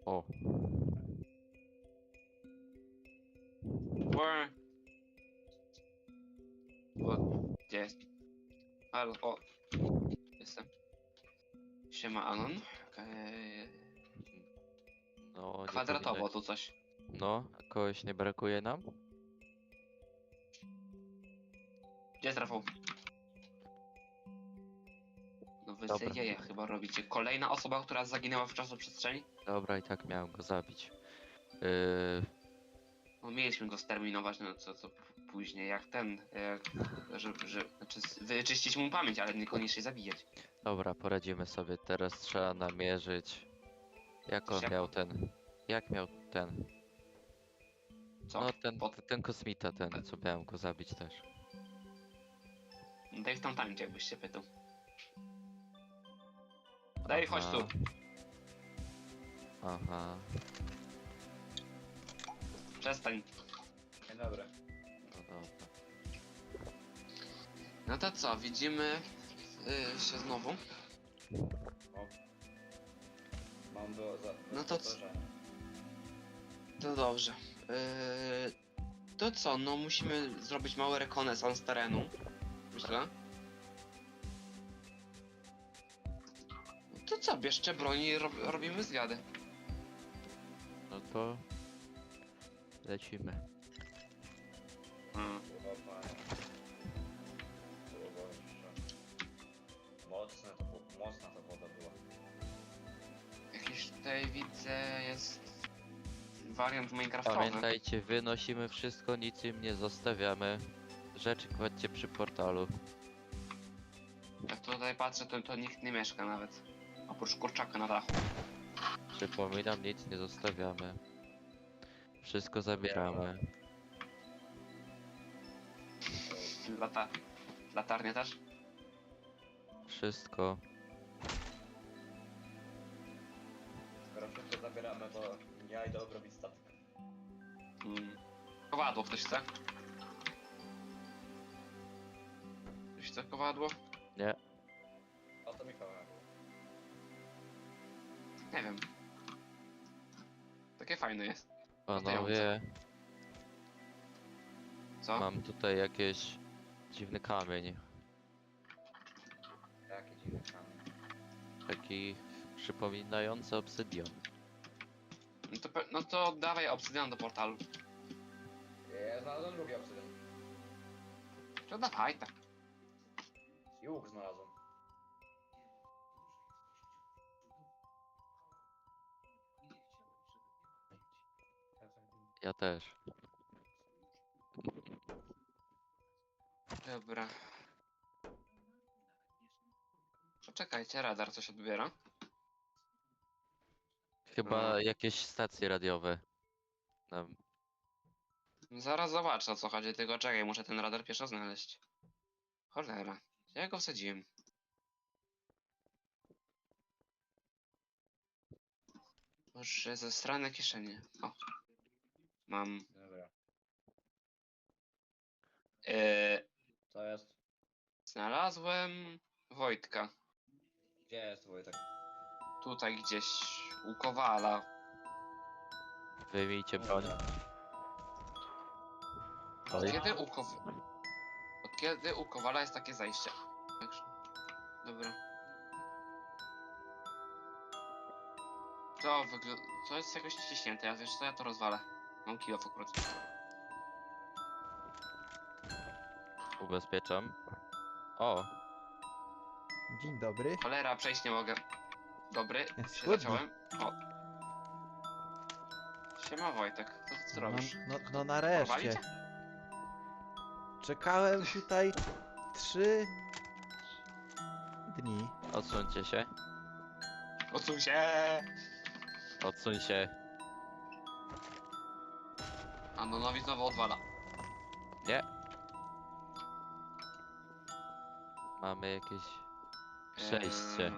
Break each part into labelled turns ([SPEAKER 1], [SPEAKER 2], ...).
[SPEAKER 1] O,
[SPEAKER 2] Where? Gdzie jest? Halo, o. Jestem. Siema, Anon.
[SPEAKER 1] no nie
[SPEAKER 2] Kwadratowo
[SPEAKER 1] powinno...
[SPEAKER 2] tu coś.
[SPEAKER 1] No, kogoś nie brakuje nam?
[SPEAKER 2] Gdzie jest Rafał? No wy se
[SPEAKER 1] Dobra,
[SPEAKER 2] jeje chyba robicie. Kolejna osoba, która zaginęła w czasoprzestrzeni?
[SPEAKER 1] dobra, i tak miałem go zabić.
[SPEAKER 2] No mieliśmy go sterminować, no co później, jak ten, znaczy wyczyścić mu pamięć, ale niekoniecznie zabijać.
[SPEAKER 1] Dobra, poradzimy sobie. Teraz trzeba namierzyć. Jak
[SPEAKER 2] Coś
[SPEAKER 1] on miał
[SPEAKER 2] jako?
[SPEAKER 1] ten... Jak miał ten...
[SPEAKER 2] Co?
[SPEAKER 1] No, ten,
[SPEAKER 2] Pod...
[SPEAKER 1] ten kosmita, ten, co miałem go zabić też.
[SPEAKER 2] Dave tam tańczy, jakbyś się pytał. Dave, chodź tu.
[SPEAKER 1] Aha. Aha,
[SPEAKER 2] Przestań.
[SPEAKER 3] Dzień dobry.
[SPEAKER 1] no dobra.
[SPEAKER 2] No to co, widzimy się znowu?
[SPEAKER 3] O. Mam do
[SPEAKER 2] No to
[SPEAKER 3] co?
[SPEAKER 2] To dobrze. To co, no musimy zrobić mały rekonesans terenu. Myślę. No to co, bierzcie broń i robimy zwiady.
[SPEAKER 1] No to... Lecimy.
[SPEAKER 2] Hmm.
[SPEAKER 3] Mocna to woda była.
[SPEAKER 2] Jakiś tutaj widzę jest wariant minecraftowy.
[SPEAKER 1] Pamiętajcie, wynosimy wszystko, nic im nie zostawiamy. Rzeczy kładźcie przy portalu.
[SPEAKER 2] Jak tutaj patrzę, to nikt nie mieszka nawet. Oprócz kurczaka na dachu.
[SPEAKER 1] Przypominam, nic nie zostawiamy. Wszystko zabieramy.
[SPEAKER 2] Latarnie też?
[SPEAKER 1] Wszystko.
[SPEAKER 3] Skoro wszystko zabieramy, to ja idę obrobić statek.
[SPEAKER 2] Kowadło ktoś chce? Ktoś chce kowadło?
[SPEAKER 1] Nie.
[SPEAKER 3] O to Michała.
[SPEAKER 2] Nie wiem. Takie fajne jest.
[SPEAKER 1] Panowie,
[SPEAKER 2] Co?
[SPEAKER 1] mam tutaj jakieś dziwny kamień.
[SPEAKER 3] Jaki dziwny kamień.
[SPEAKER 1] Taki przypominający obsydian.
[SPEAKER 2] No to dawaj obsydian do portalu.
[SPEAKER 3] Ja znalazłem drugi obsydian.
[SPEAKER 2] To dawaj tak.
[SPEAKER 3] I łuk znalazłem.
[SPEAKER 1] Ja też.
[SPEAKER 2] Dobra. Poczekajcie, radar coś odbiera.
[SPEAKER 1] Chyba jakieś stacje radiowe. Nam.
[SPEAKER 2] Zaraz zobaczę o co chodzi, tylko czekaj, muszę ten radar pierwszy znaleźć. Cholera, gdzie ja go wsadziłem? Boże, ze strony kieszeni. O. Mam.
[SPEAKER 3] Dobra. Co jest?
[SPEAKER 2] Znalazłem Wojtka.
[SPEAKER 3] Gdzie jest Wojtek?
[SPEAKER 2] Tutaj gdzieś u Kowala.
[SPEAKER 1] Wyjmijcie broń.
[SPEAKER 2] Od
[SPEAKER 1] Oj.
[SPEAKER 2] kiedy Od kiedy u Kowala jest takie zajście? Także- Dobra. To jest jakoś ściśnięte, ja wiesz co, ja to rozwalę. Mam kilo w akurat.
[SPEAKER 1] Ubezpieczam. O,
[SPEAKER 4] Dzień dobry.
[SPEAKER 2] Cholera, przejść nie mogę. Dobry, się
[SPEAKER 4] Schudnij.
[SPEAKER 2] zaciąłem. O. Siema Wojtek, co robisz?
[SPEAKER 4] No nareszcie.
[SPEAKER 2] Porwali cię?
[SPEAKER 4] Czekałem tutaj 3 dni.
[SPEAKER 1] odsuńcie się.
[SPEAKER 2] Odsuń się!
[SPEAKER 1] Odsuń się.
[SPEAKER 2] Anonowi znowu odwala.
[SPEAKER 1] Nie. Mamy jakieś przejście.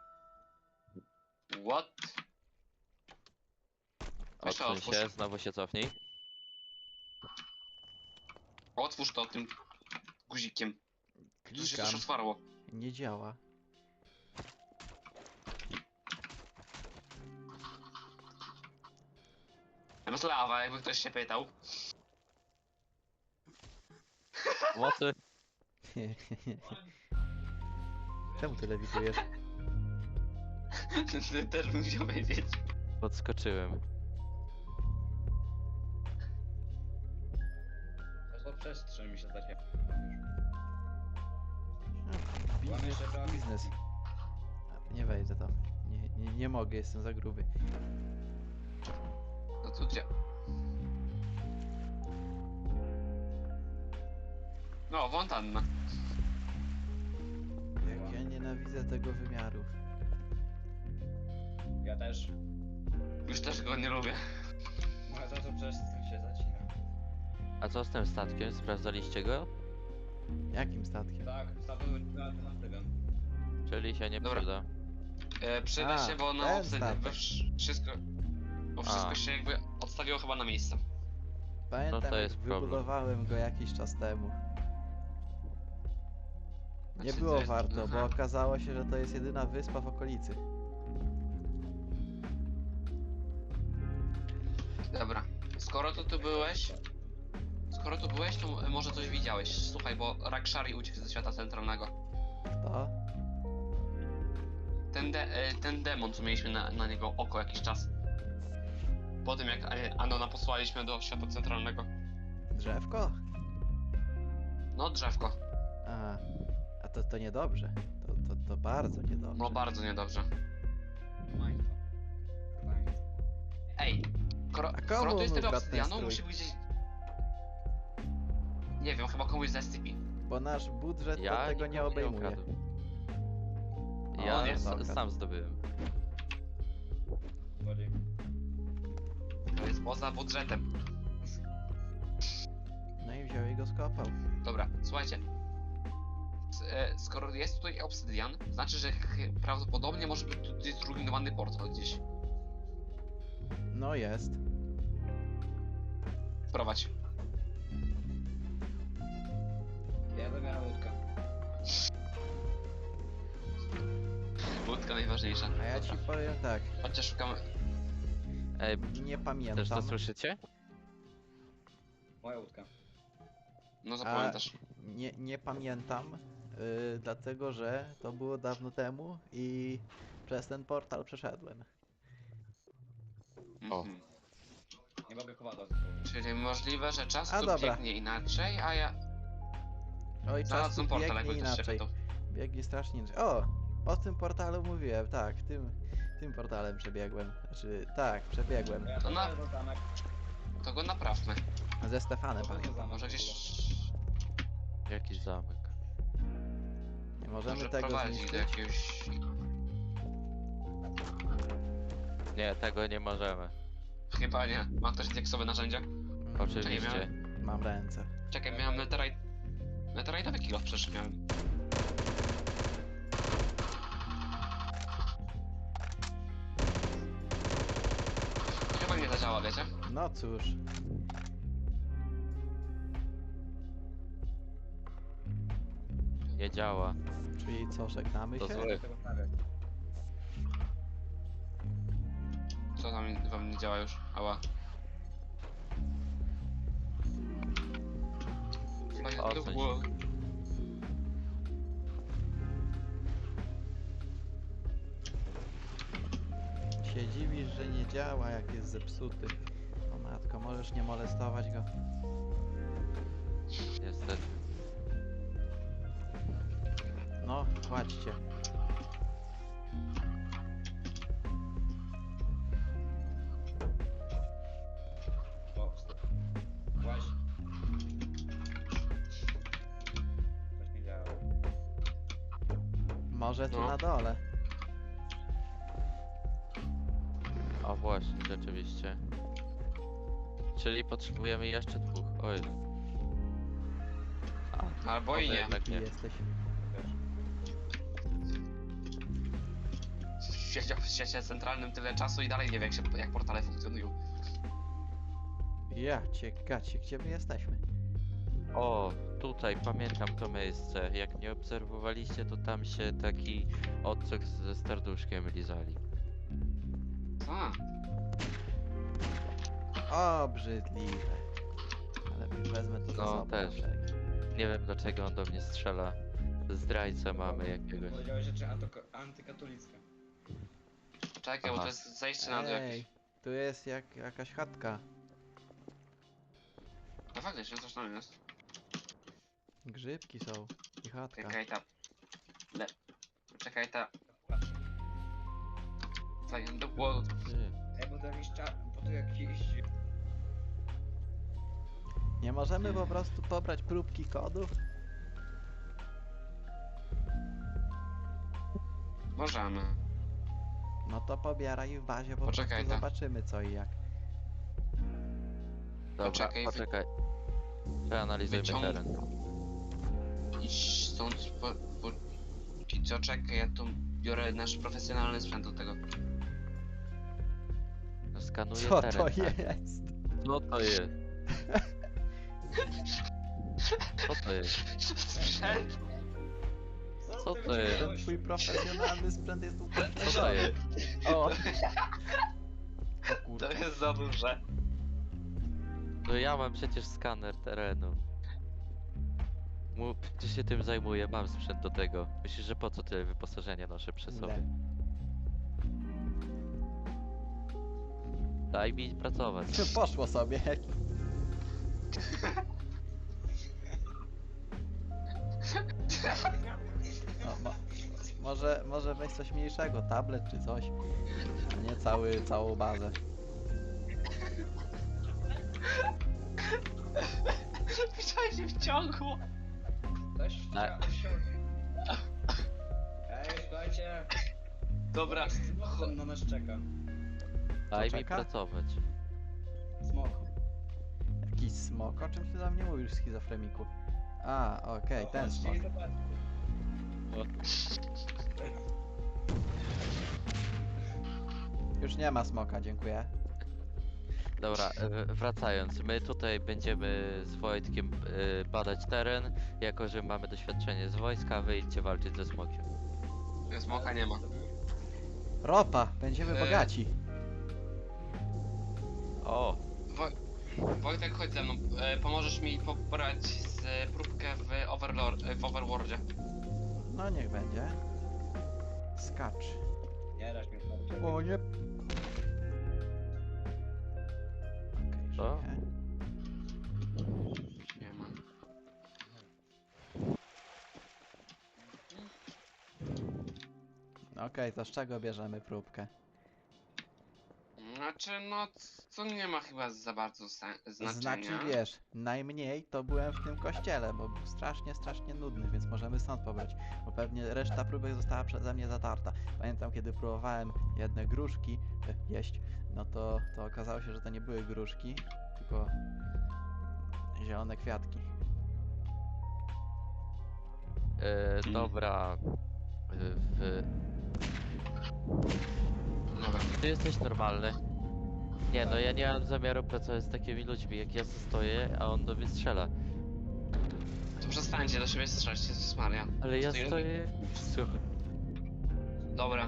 [SPEAKER 2] What? Weź to
[SPEAKER 1] Odsuń się,
[SPEAKER 2] otwórz.
[SPEAKER 1] znowu się cofnij.
[SPEAKER 2] Otwórz to tym guzikiem. Tu się
[SPEAKER 4] Klikam.
[SPEAKER 2] coś otwarło.
[SPEAKER 4] Nie działa.
[SPEAKER 2] Tam jest lawa, jakby ktoś się pytał.
[SPEAKER 1] Mocy.
[SPEAKER 4] Czemu ty lewitujesz?
[SPEAKER 2] Ty też bym chciał wiedzieć.
[SPEAKER 1] Podskoczyłem.
[SPEAKER 3] To przestrzeń mi się zdaje.
[SPEAKER 4] Biznes, biznes. A, nie wejdę tam. Nie mogę, jestem za gruby.
[SPEAKER 2] No tu gdzie? No, fontanna.
[SPEAKER 4] Jak ja nienawidzę tego wymiaru.
[SPEAKER 3] Ja też.
[SPEAKER 2] Już też go nie lubię.
[SPEAKER 3] No za to przestrzeń się zacina.
[SPEAKER 1] A co z tym statkiem? Sprawdzaliście go?
[SPEAKER 4] Jakim statkiem?
[SPEAKER 3] Tak, status alternatywę.
[SPEAKER 1] Czyli się nie
[SPEAKER 2] Dobra.
[SPEAKER 1] przyda.
[SPEAKER 2] Przyda
[SPEAKER 4] A,
[SPEAKER 2] się, bo na
[SPEAKER 4] ten
[SPEAKER 2] obsydian,
[SPEAKER 4] statek.
[SPEAKER 2] wszystko... Bo wszystko
[SPEAKER 1] A.
[SPEAKER 2] się jakby odstawiło chyba na miejsce.
[SPEAKER 4] Pamiętam,
[SPEAKER 1] No to
[SPEAKER 4] jak
[SPEAKER 1] jest problem.
[SPEAKER 4] wybudowałem go jakiś czas temu. Nie
[SPEAKER 2] Znaczy, to
[SPEAKER 4] było
[SPEAKER 2] jest-
[SPEAKER 4] warto, bo
[SPEAKER 2] aha.
[SPEAKER 4] okazało się, że to jest jedyna wyspa w okolicy.
[SPEAKER 2] Dobra. Skoro to tu byłeś... Skoro tu byłeś, to może coś widziałeś. Słuchaj, bo Rakshari uciekł ze świata centralnego.
[SPEAKER 4] To?
[SPEAKER 2] Ten demon, co mieliśmy na niego oko jakiś czas. Po tym jak Anona posłaliśmy do świata centralnego.
[SPEAKER 4] Drzewko?
[SPEAKER 2] No, drzewko.
[SPEAKER 4] A to niedobrze. To bardzo niedobrze.
[SPEAKER 2] No, bardzo niedobrze.
[SPEAKER 3] Państwo.
[SPEAKER 2] Ej,
[SPEAKER 4] A komu
[SPEAKER 2] skoro to jest tyle
[SPEAKER 4] ukradł ten
[SPEAKER 2] obsydianu,
[SPEAKER 4] strój?
[SPEAKER 2] musi być gdzieś... Nie wiem, chyba komuś z SCP.
[SPEAKER 4] Bo nasz budżet to
[SPEAKER 1] Ja
[SPEAKER 4] tego nie
[SPEAKER 1] nikomu
[SPEAKER 4] obejmuje.
[SPEAKER 1] ukradłem.
[SPEAKER 4] O,
[SPEAKER 1] Ja
[SPEAKER 2] nie,
[SPEAKER 1] sam zdobyłem.
[SPEAKER 3] Złodziej.
[SPEAKER 2] To jest poza budżetem.
[SPEAKER 4] No i wziął i go skopał.
[SPEAKER 2] Dobra, słuchajcie. Skoro jest tutaj obsydian, znaczy, że prawdopodobnie może być tutaj zrujnowany portal gdzieś.
[SPEAKER 4] No jest.
[SPEAKER 2] Prowadź.
[SPEAKER 3] Ja zabieram łódkę.
[SPEAKER 2] Łódka najważniejsza.
[SPEAKER 4] A ja ci powiem tak.
[SPEAKER 2] Chociaż szukamy...
[SPEAKER 1] Ej,
[SPEAKER 4] Nie
[SPEAKER 1] też
[SPEAKER 4] pamiętam.
[SPEAKER 1] to słyszycie?
[SPEAKER 3] Moja łódka.
[SPEAKER 2] No zapamiętasz.
[SPEAKER 4] Nie pamiętam. Dlatego, że to było dawno temu i przez ten portal przeszedłem.
[SPEAKER 1] O.
[SPEAKER 2] Mhm.
[SPEAKER 3] Nie mogę kowadła.
[SPEAKER 2] Czyli możliwe, że czas
[SPEAKER 4] A,
[SPEAKER 2] tu
[SPEAKER 4] dobra.
[SPEAKER 2] biegnie inaczej, a ja...
[SPEAKER 4] Oj, czas tu
[SPEAKER 2] Znalazłem portal,
[SPEAKER 4] biegnie
[SPEAKER 2] jakby ktoś się
[SPEAKER 4] inaczej.
[SPEAKER 2] pytał.
[SPEAKER 4] Biegnie strasznie inaczej. O tym portalu mówiłem, tak, tym portalem przebiegłem. Znaczy, tak, przebiegłem.
[SPEAKER 3] Ja
[SPEAKER 2] To na-
[SPEAKER 3] to zamek.
[SPEAKER 2] To go naprawmy.
[SPEAKER 4] Ze Stefanem, pamiętam.
[SPEAKER 2] Może gdzieś...
[SPEAKER 1] Jakiś zamek.
[SPEAKER 4] Nie możemy
[SPEAKER 2] Może
[SPEAKER 4] tego
[SPEAKER 2] prowadzi do
[SPEAKER 4] zniszczyć.
[SPEAKER 2] jakiegoś...
[SPEAKER 1] Nie, tego nie możemy.
[SPEAKER 2] Chyba nie. Ma ktoś dieksowe narzędzia?
[SPEAKER 1] Oczywiście.
[SPEAKER 4] Mam ręce.
[SPEAKER 2] Czekaj, miałem netherite... Netherite'owy kilo przecież miałem. Chyba nie zadziała, wiecie?
[SPEAKER 4] No cóż.
[SPEAKER 1] Nie działa.
[SPEAKER 4] Czyli co, żegnamy
[SPEAKER 1] To
[SPEAKER 4] się?
[SPEAKER 1] zły.
[SPEAKER 3] Tego stawiać.
[SPEAKER 2] Co tam wam nie działa już? Ała.
[SPEAKER 1] O, w sensie.
[SPEAKER 4] Się dziwisz, że nie działa, jak jest zepsuty. O matko, możesz nie molestować go.
[SPEAKER 1] Niestety.
[SPEAKER 4] No, kładźcie.
[SPEAKER 3] O, właśnie. Coś nie działa.
[SPEAKER 4] Może tu
[SPEAKER 2] No.
[SPEAKER 4] na dole.
[SPEAKER 1] O właśnie, rzeczywiście. Czyli potrzebujemy jeszcze dwóch. Oj. A,
[SPEAKER 2] Albo i
[SPEAKER 1] może
[SPEAKER 2] nie.
[SPEAKER 1] jednak
[SPEAKER 4] Taki
[SPEAKER 1] nie.
[SPEAKER 4] jesteś.
[SPEAKER 2] Siedział w świecie centralnym tyle czasu i dalej nie wie jak portale funkcjonują.
[SPEAKER 4] Ja cię gacie, gdzie my jesteśmy?
[SPEAKER 1] O, tutaj pamiętam to miejsce. Jak nie obserwowaliście, to tam się taki odcek ze serduszkiem lizali.
[SPEAKER 2] A,
[SPEAKER 4] Obrzydliwe. Ale wezmę to za
[SPEAKER 1] No,
[SPEAKER 4] sobą.
[SPEAKER 1] też.
[SPEAKER 4] na wszelki.
[SPEAKER 1] Nie wiem dlaczego on do mnie strzela. Zdrajcę mamy jakiegoś.
[SPEAKER 3] Powiedziałeś rzeczy antykatolickie.
[SPEAKER 2] Czekaj, bo
[SPEAKER 1] Aha.
[SPEAKER 2] to jest zejście na dół
[SPEAKER 4] Ej,
[SPEAKER 2] jakieś.
[SPEAKER 4] tu jest jakaś chatka.
[SPEAKER 2] No faktycznie, coś tam jest.
[SPEAKER 4] Grzybki są i chatka.
[SPEAKER 2] Czekaj ta... Czekaj ta... Fajnie, do głowy.
[SPEAKER 1] Ty.
[SPEAKER 3] Ej, bo to jakiś bo to jakiś...
[SPEAKER 4] Nie możemy po prostu pobrać próbki kodów?
[SPEAKER 2] Możemy.
[SPEAKER 4] No to pobieraj w bazie, po
[SPEAKER 2] Poczekaj,
[SPEAKER 4] prostu
[SPEAKER 2] ta.
[SPEAKER 4] zobaczymy co i jak.
[SPEAKER 1] Dobra,
[SPEAKER 2] Poczekaj,
[SPEAKER 1] poczekaj. Przeanalizujmy
[SPEAKER 2] wyciąg-
[SPEAKER 1] teren.
[SPEAKER 2] Idź stąd, póki co czekaj, ja tu biorę nasz profesjonalny sprzęt do tego.
[SPEAKER 1] No, skanuję
[SPEAKER 4] Co
[SPEAKER 1] teren.
[SPEAKER 4] to
[SPEAKER 1] tak.
[SPEAKER 4] jest?
[SPEAKER 1] Co to jest? Co to jest?
[SPEAKER 2] Sprzęt?
[SPEAKER 1] Co to jest?
[SPEAKER 4] Ten twój profesjonalny sprzęt jest
[SPEAKER 1] Co to
[SPEAKER 4] upośledzony.
[SPEAKER 1] jest?
[SPEAKER 4] O! O
[SPEAKER 2] To
[SPEAKER 4] kurde.
[SPEAKER 2] jest za duże.
[SPEAKER 1] No ja mam przecież skaner terenu. Czy się tym zajmuję? Mam sprzęt do tego. Myślisz, że po co tyle wyposażenia noszę przy sobie?
[SPEAKER 4] Nie.
[SPEAKER 1] Daj mi pracować.
[SPEAKER 4] Poszło sobie. No, może weź coś mniejszego, tablet czy coś. A nie całą bazę.
[SPEAKER 2] Widziałeś, się wciągło.
[SPEAKER 3] Coś
[SPEAKER 1] Tak.
[SPEAKER 3] Ej, słuchajcie.
[SPEAKER 2] Dobra,
[SPEAKER 3] Smok na nas czeka.
[SPEAKER 1] Daj mi
[SPEAKER 4] czeka?
[SPEAKER 1] pracować.
[SPEAKER 3] Smok.
[SPEAKER 4] Jakiś smok? O czym ty do mnie mówisz, schizofreniku? A, okej, ten
[SPEAKER 3] Chodźcie
[SPEAKER 4] smok.
[SPEAKER 3] i zobaczcie.
[SPEAKER 4] Już nie ma smoka, dziękuję.
[SPEAKER 1] Dobra, wracając. My tutaj będziemy z Wojtkiem badać teren. Jako, że mamy doświadczenie z wojska, wyjdźcie walczyć ze smokiem.
[SPEAKER 2] smoka nie ma.
[SPEAKER 4] Ropa, będziemy bogaci.
[SPEAKER 1] O!
[SPEAKER 2] Wojtek, chodź ze mną. Pomożesz mi pobrać próbkę w Overworldzie.
[SPEAKER 4] No niech będzie. Skacz.
[SPEAKER 3] Nie dasz mi starczy.
[SPEAKER 4] O nie. Okej,
[SPEAKER 1] Co?
[SPEAKER 4] żyję.
[SPEAKER 2] Nie ma.
[SPEAKER 4] Okej, to z czego bierzemy próbkę?
[SPEAKER 2] Znaczy, no, co nie ma chyba za bardzo znaczenia.
[SPEAKER 4] Znaczy wiesz, najmniej to byłem w tym kościele, bo był strasznie nudny, więc możemy stąd pobrać. Bo pewnie reszta próbek została przeze mnie zatarta. Pamiętam, kiedy próbowałem jedne gruszki jeść, no to okazało się, że to nie były gruszki, tylko zielone kwiatki.
[SPEAKER 1] Dobra.
[SPEAKER 2] Dobra.
[SPEAKER 1] Ty jesteś normalny. Nie no, ja nie mam zamiaru pracować z takimi ludźmi, jak ja stoję, a on do mnie strzela.
[SPEAKER 2] To przestańcie do siebie strzelać, Jezus Maria.
[SPEAKER 1] Ale ja
[SPEAKER 2] Stoję-
[SPEAKER 1] stoję... Słuchaj.
[SPEAKER 2] Dobra,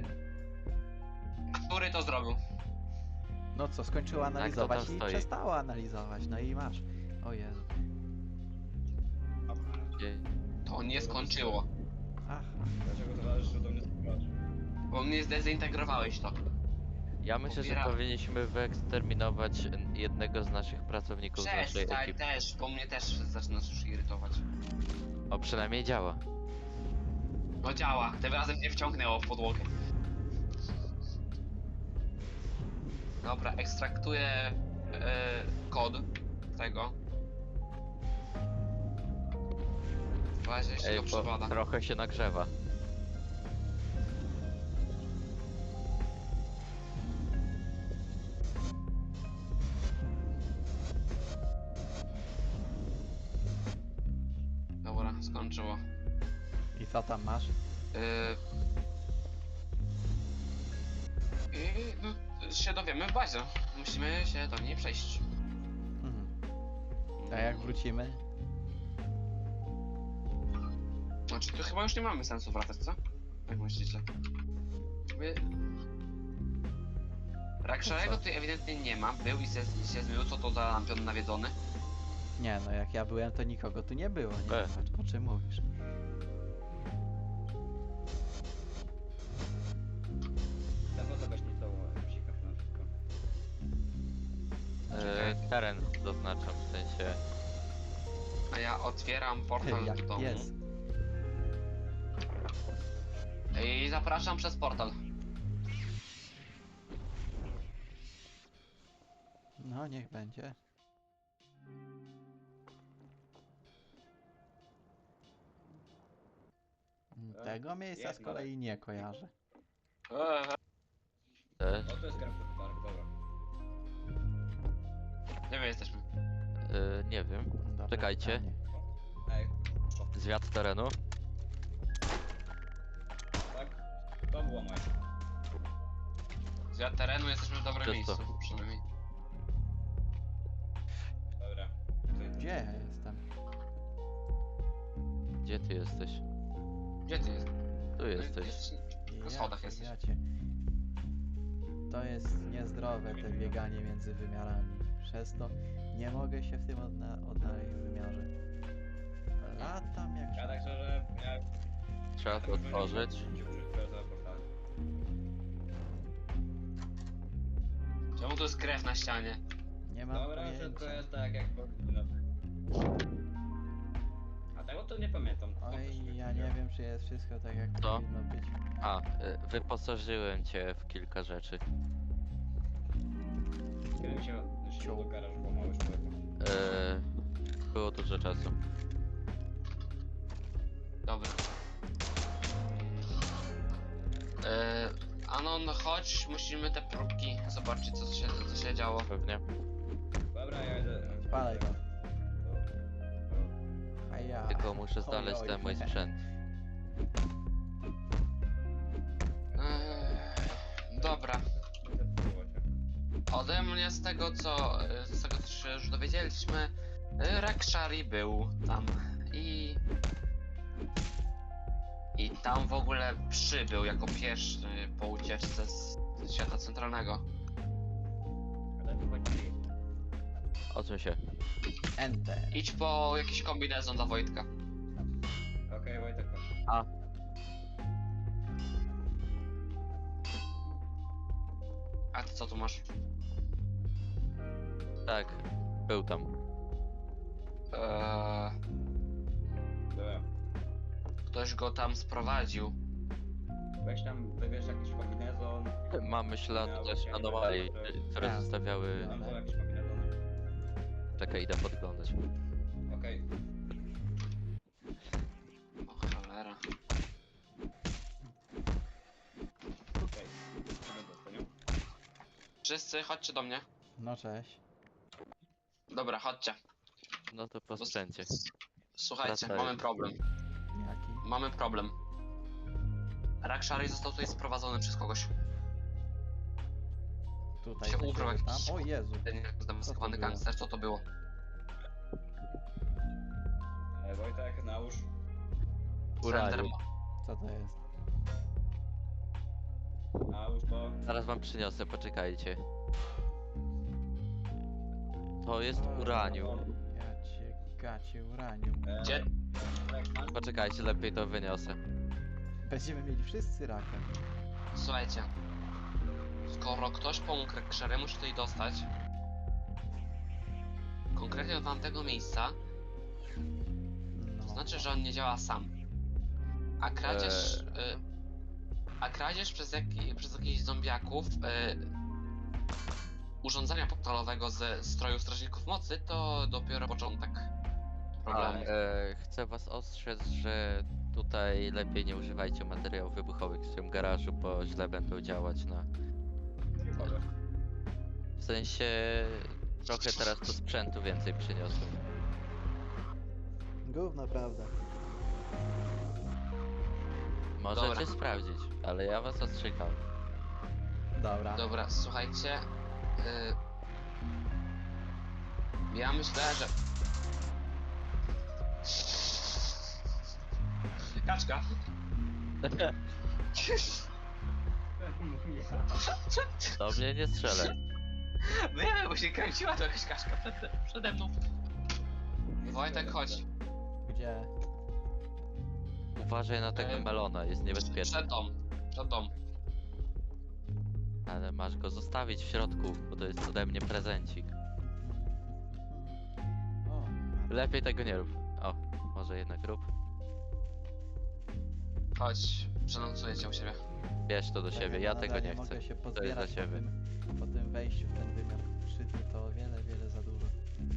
[SPEAKER 2] który to zrobił?
[SPEAKER 4] No co, skończyła analizować
[SPEAKER 1] tam
[SPEAKER 4] i
[SPEAKER 1] stoi?
[SPEAKER 4] przestała analizować, no i masz. O Jezu.
[SPEAKER 2] To nie skończyło.
[SPEAKER 4] Aha.
[SPEAKER 3] Dlaczego towarzyszył do mnie spróbować?
[SPEAKER 2] Bo mnie zdezintegrowałeś to.
[SPEAKER 1] Ja myślę, że
[SPEAKER 2] Pobiera-
[SPEAKER 1] powinniśmy wyeksterminować jednego z naszych pracowników z naszej
[SPEAKER 2] Przestań
[SPEAKER 1] ekipy.
[SPEAKER 2] też, bo mnie też zaczynasz już irytować.
[SPEAKER 1] O, przynajmniej działa.
[SPEAKER 2] No działa, tym razem mnie wciągnęło w podłogę. Dobra, ekstraktuję kod tego. W razie jeszcze
[SPEAKER 1] Ej,
[SPEAKER 2] go
[SPEAKER 1] bo
[SPEAKER 2] przybada.
[SPEAKER 1] trochę się nagrzewa.
[SPEAKER 2] Dobra, skończyło.
[SPEAKER 4] I co tam masz?
[SPEAKER 2] I się dowiemy w bazie. Musimy się do niej przejść.
[SPEAKER 4] Mhm. A jak wrócimy?
[SPEAKER 2] Znaczy, to chyba już nie mamy sensu wracać, co? Jak myślicie? Wy... Rakszarego tutaj ewidentnie nie ma. Był i się zmył. Co to za lampion nawiedzony?
[SPEAKER 4] Nie no, jak ja byłem, to nikogo tu nie było. Nie wiem, o czym mówisz.
[SPEAKER 3] Tego to weź nie to psika na wszystko.
[SPEAKER 1] Teren zaznaczam, w sensie...
[SPEAKER 2] A ja otwieram portal do
[SPEAKER 4] Jak
[SPEAKER 2] domu.
[SPEAKER 4] pies.
[SPEAKER 2] I zapraszam przez portal.
[SPEAKER 4] No, niech będzie. Tego miejsca z
[SPEAKER 3] jest
[SPEAKER 4] kolei nie kojarzę.
[SPEAKER 1] Też.
[SPEAKER 3] O, to jest Grafton Park, dobra.
[SPEAKER 2] Gdzie my jesteśmy?
[SPEAKER 1] Nie wiem.
[SPEAKER 4] Dobre
[SPEAKER 1] Czekajcie.
[SPEAKER 4] pytanie.
[SPEAKER 3] Ej,
[SPEAKER 1] Zwiat terenu.
[SPEAKER 3] tak? To było moje.
[SPEAKER 2] Z terenu jesteśmy w dobrym
[SPEAKER 1] Czysto.
[SPEAKER 2] miejscu. Przynajmniej.
[SPEAKER 3] Dobra.
[SPEAKER 4] Gdzie ja jestem?
[SPEAKER 1] Gdzie ty jesteś?
[SPEAKER 2] Gdzie ty jesteś?
[SPEAKER 1] Tu jesteś.
[SPEAKER 2] Na schodach jesteś.
[SPEAKER 4] Jacie. To jest niezdrowe, te bieganie między wymiarami. Przez to nie mogę się w tym odnaleźć w wymiarze. Latam jak
[SPEAKER 3] Ja tak szczerze, ja...
[SPEAKER 1] Trzeba to otworzyć.
[SPEAKER 2] Czemu tu jest krew na ścianie?
[SPEAKER 4] nie mam
[SPEAKER 3] Dobra,
[SPEAKER 4] pojęcia.
[SPEAKER 3] wszystko jest tak jak powinno być. A tego to nie pamiętam.
[SPEAKER 4] Oj, ja nie wiem, czy jest wszystko tak jak
[SPEAKER 1] Co?
[SPEAKER 4] powinno być.
[SPEAKER 1] A, wyposażyłem cię w kilka rzeczy.
[SPEAKER 3] Kiedy mi się do garażu pomały człowieku.
[SPEAKER 1] Było dużo czasu.
[SPEAKER 2] Dobra. Anon, chodź, musimy te próbki zobaczyć, co się działo.
[SPEAKER 1] Pewnie.
[SPEAKER 3] Dobra, ja idę.
[SPEAKER 4] Spalaj to. A ja.
[SPEAKER 1] Tylko muszę znaleźć
[SPEAKER 4] Oj,
[SPEAKER 1] ten mój sprzęt.
[SPEAKER 2] Dobra. Ode mnie z tego co się już dowiedzieliśmy, Rakshari był tam i tam w ogóle przybył jako pierwszy po ucieczce z świata centralnego.
[SPEAKER 3] Ale to chodzi.
[SPEAKER 1] Odsuń się.
[SPEAKER 4] Enter.
[SPEAKER 2] Idź po jakiś kombinezon dla Wojtka.
[SPEAKER 3] Okej, Wojtek.
[SPEAKER 2] A ty co tu masz?
[SPEAKER 1] Tak, był tam.
[SPEAKER 3] Dobra.
[SPEAKER 2] Ktoś go tam sprowadził.
[SPEAKER 3] Weź tam, wybierz jakiś kombinezon.
[SPEAKER 1] Mamy ślad
[SPEAKER 3] Ja
[SPEAKER 1] też
[SPEAKER 3] właśnie nie
[SPEAKER 1] anomalii,
[SPEAKER 3] wiem,
[SPEAKER 1] które
[SPEAKER 4] Tak.
[SPEAKER 1] zostawiały...
[SPEAKER 3] Tam było jakieś kombinezony.
[SPEAKER 1] Czekaj, idę podglądać.
[SPEAKER 3] Okej.
[SPEAKER 2] O cholera.
[SPEAKER 3] Okej. Okay.
[SPEAKER 2] Wszyscy chodźcie do mnie.
[SPEAKER 4] No cześć.
[SPEAKER 2] Dobra, chodźcie.
[SPEAKER 1] No to po sprzęcie.
[SPEAKER 2] Słuchajcie,
[SPEAKER 1] Wracaj.
[SPEAKER 2] mamy problem.
[SPEAKER 4] Jaki?
[SPEAKER 2] Mamy problem. Rakshari został tutaj sprowadzony przez kogoś.
[SPEAKER 4] Tutaj
[SPEAKER 2] się
[SPEAKER 4] do
[SPEAKER 2] ubrał
[SPEAKER 4] siebie
[SPEAKER 2] jakiś-
[SPEAKER 4] tam. O Jezu.
[SPEAKER 2] Ten zdemaskowany
[SPEAKER 4] było?
[SPEAKER 2] gangster, co to było?
[SPEAKER 3] Wojtek, nałóż.
[SPEAKER 1] Uranium.
[SPEAKER 2] Slender-
[SPEAKER 4] Co to jest?
[SPEAKER 3] Nałóż to.
[SPEAKER 1] Zaraz wam przyniosę, poczekajcie. To jest
[SPEAKER 4] O,
[SPEAKER 1] uranium.
[SPEAKER 4] Ja cię gacie uranium.
[SPEAKER 2] Gdzie?
[SPEAKER 1] Poczekajcie, lepiej to wyniosę.
[SPEAKER 4] Będziemy mieli wszyscy rakiem.
[SPEAKER 2] Słuchajcie. Skoro ktoś pomógł Rakshariemu się tutaj dostać, konkretnie do tamtego miejsca,
[SPEAKER 4] No.
[SPEAKER 2] to znaczy, że on nie działa sam. A kradzież przez jakichś zombiaków urządzenia portalowego ze stroju Strażników Mocy to dopiero początek problemu.
[SPEAKER 1] Chcę was ostrzec, że tutaj lepiej nie używajcie materiałów wybuchowych w tym garażu, bo źle będą działać na... W sensie... Trochę teraz tu sprzętu więcej przyniosłem.
[SPEAKER 4] Gówno, prawda.
[SPEAKER 1] Możecie
[SPEAKER 2] Dobra.
[SPEAKER 1] sprawdzić, ale ja was ostrzegam.
[SPEAKER 4] Dobra.
[SPEAKER 2] Dobra, słuchajcie. Ja myślę, że... Kaczka.
[SPEAKER 1] Do mnie nie strzelaj.
[SPEAKER 2] Wiem, bo się kręciła to jakaś kaszka przede mną. Wojtek, chodź.
[SPEAKER 4] Gdzie?
[SPEAKER 1] Uważaj na tego melona, jest niebezpieczny.
[SPEAKER 2] Przed dom.
[SPEAKER 1] Ale masz go zostawić w środku, bo to jest ode mnie prezencik.
[SPEAKER 4] O,
[SPEAKER 1] Lepiej tego nie rób. O, może jednak rób.
[SPEAKER 2] Chodź, przenocuję cię u siebie.
[SPEAKER 1] Bierz to do siebie, ja tego nie chcę.
[SPEAKER 4] Mogę się
[SPEAKER 1] To jest
[SPEAKER 4] pozbierać
[SPEAKER 1] dla ciebie.
[SPEAKER 4] po tym wejściu w ten wymiar krzywy, to o wiele, wiele za dużo.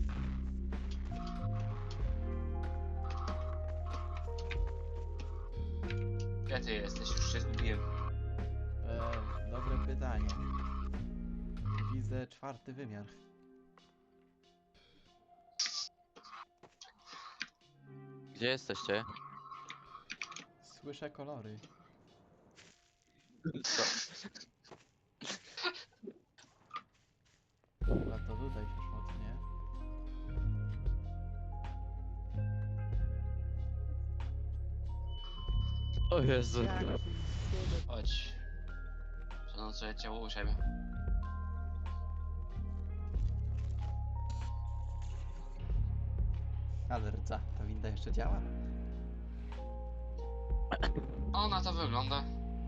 [SPEAKER 2] Gdzie ty jesteś? Już się zgubiłem.
[SPEAKER 4] Dobre pytanie. Widzę 4. wymiar.
[SPEAKER 1] Gdzie jesteście?
[SPEAKER 4] Słyszę kolory.
[SPEAKER 1] Co?
[SPEAKER 4] Chyba to tutaj się szmocnie.
[SPEAKER 1] O Jezu.
[SPEAKER 2] Chodź. Przenocuję cię u siebie.
[SPEAKER 4] Ale rdza, ta winda jeszcze działa?
[SPEAKER 2] O, na to wygląda.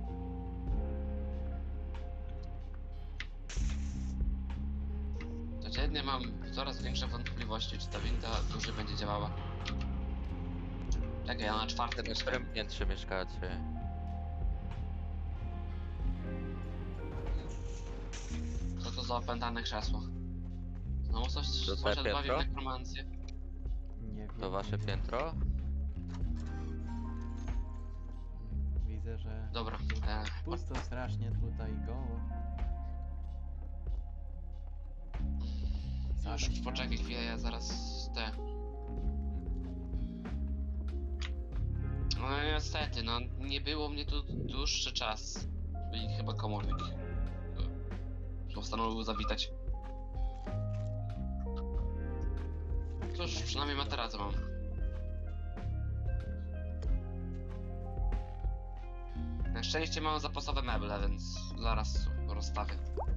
[SPEAKER 2] Codziennie mam coraz większe wątpliwości, czy ta winda dłużej będzie działała. Czekaj, ja na 4.
[SPEAKER 1] W
[SPEAKER 2] mieszkam.
[SPEAKER 1] którym piętrze mieszkacie?
[SPEAKER 2] Co to za opętane krzesło? Znowu coś
[SPEAKER 1] To twoje
[SPEAKER 2] poszedł bawi w
[SPEAKER 1] piętro?
[SPEAKER 2] nekromancję.
[SPEAKER 4] Nie wiem.
[SPEAKER 1] To wasze
[SPEAKER 4] nie wiem.
[SPEAKER 1] piętro?
[SPEAKER 4] Widzę, że
[SPEAKER 2] Dobra,
[SPEAKER 4] pusto strasznie tutaj, goło.
[SPEAKER 2] już
[SPEAKER 4] Same
[SPEAKER 2] poczekaj chwilę, ja zaraz te... No niestety, no nie było mnie tu dłuższy czas. I chyba komornik postanowił zawitać. Cóż, przynajmniej materacę mam. Na szczęście mam zapasowe meble, więc zaraz rozstawię.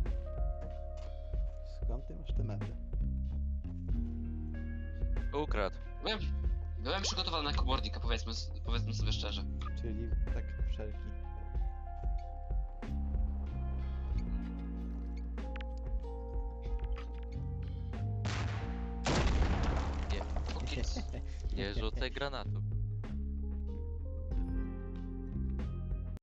[SPEAKER 4] Skąd ty masz te meble?
[SPEAKER 1] Ukradł.
[SPEAKER 2] Byłem przygotowany na komornika, powiedzmy sobie szczerze.
[SPEAKER 4] Czyli tak wszelki.
[SPEAKER 1] Nie rzucaj granatu.